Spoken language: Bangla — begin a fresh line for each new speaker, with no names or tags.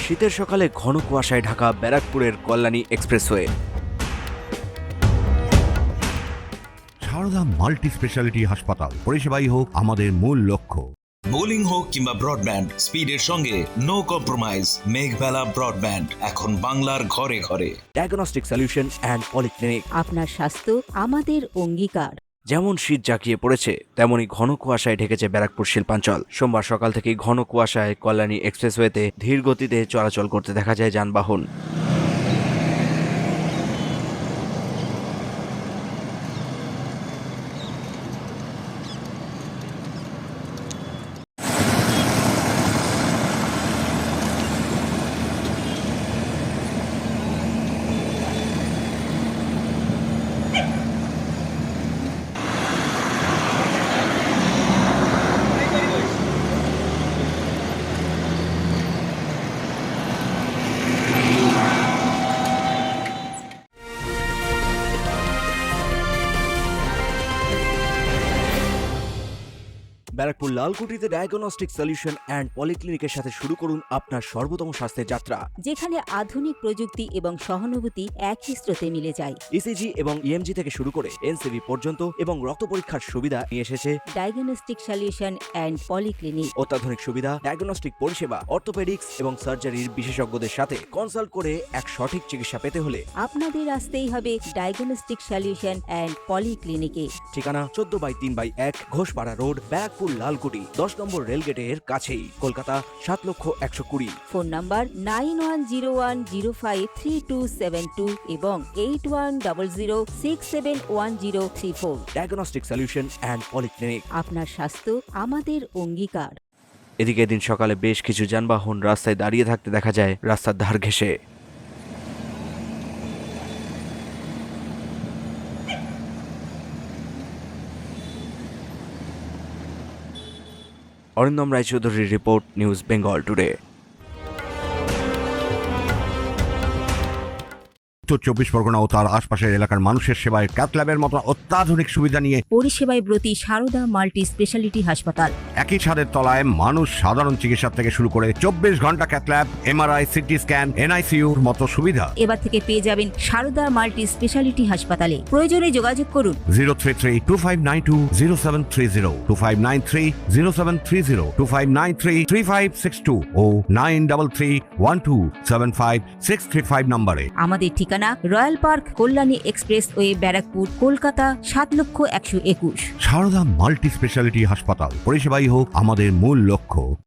শীতের সকালে ঘন কুয়াশায় ঢাকা ব্যারাকপুরের Kalyani expressway.
Sarada multi speciality হাসপাতাল, পরিষেবাই হোক আমাদের মূল লক্ষ্য।
বোলিং হোক কিংবা ব্রডব্যান্ড, স্পিডের সঙ্গে নো কম্প্রোমাইজ। মেঘবেলা ব্রডব্যান্ড এখন বাংলার ঘরে ঘরে।
Diagnostic solution and polyclinic.
আপনার স্বাস্থ্য আমাদের অঙ্গীকার।
যেমন শীত জাঁকিয়ে পড়েছে, তেমনই ঘন কুয়াশায় ঢেকেছে ব্যারাকপুর শিল্পাঞ্চল। সোমবার সকাল থেকেই ঘন কুয়াশায় কল্যাণী এক্সপ্রেসওয়েতে ধীর গতিতে চলাচল করতে দেখা যায় যানবাহন। ব্যারাকপুর লালকুটিতে ডায়াগনস্টিক সলিউশন অ্যান্ড পলিক্লিনিকের সাথে শুরু করুন আপনার সর্বোত্তম স্বাস্থ্যের যাত্রা।
যেখানে আধুনিক প্রযুক্তি এবং সহানুভূতি একই স্রোতে মিলে যায়।
ইসিজি এবং ইএমজি থেকে শুরু করে এনসিবি পর্যন্ত এবং রক্ত পরীক্ষার সুবিধা নিয়ে এসেছে
ডায়াগনস্টিক সলিউশন অ্যান্ড পলিক্লিনিক।
অত্যাধুনিক সুবিধা, ডায়াগনস্টিক পরিষেবা, অর্থোপেডিক্স এবং সার্জারির বিশেষজ্ঞদের সাথে কনসাল্ট করে এক সঠিক চিকিৎসা পেতে হলে
আপনাদের আসতেই হবে ডায়াগনস্টিক সলিউশন অ্যান্ড পলিক্লিনিকে।
ঠিকানা 14/3/1 ঘোষপাড়া রোড, ব্যারাকপুর লালকুটি, 10 নম্বর রেলগেটের কাছেই, কলকাতা 7,120,000।
ফোন নাম্বার 9101053272 এবং 8100671034।
Diagnostic solution and polyclinic.
আপনার স্বাস্থ্য আমাদের অঙ্গীকার।
এদিকে এদিন সকালে বেশ কিছু যানবাহন রাস্তায় দাঁড়িয়ে থাকতে দেখা যায় রাস্তার ধার ঘেঁষে। অরিন্দম রায়চৌধুরীর report, news Bengal today.
Uttar 24 Pargana ও তার আশপাশের এলাকার মানুষের সেবায় ক্যাথল্যাবের মতো অত্যাধুনিক সুবিধা নিয়ে
পরিষেবায় ব্রতী সারদা মাল্টি স্পেশালিটি হাসপাতাল।
একই ছাদের তলায় মানুষ সাধারণ চিকিৎসা থেকে শুরু করে 24 ঘন্টা ক্যাথল্যাব, এমআরআই, সিটি স্ক্যান, এনআইসিইউর মতো সুবিধা।
এবার থেকে পেয়ে যাবেন সারদা মাল্টি স্পেশালিটি হাসপাতালে। প্রয়োজনে যোগাযোগ করুন
033-2592-0730, 2593-0730, 2593-3562 ও 9331275635 নম্বরে।
আমাদের ঠিকানা royal park, Kalyani expressway, Barrackpore, Kolkata 7,121,000।
Sarada multi speciality হাসপাতাল, পরিষেবাই হোক আমাদের মূল লক্ষ্য।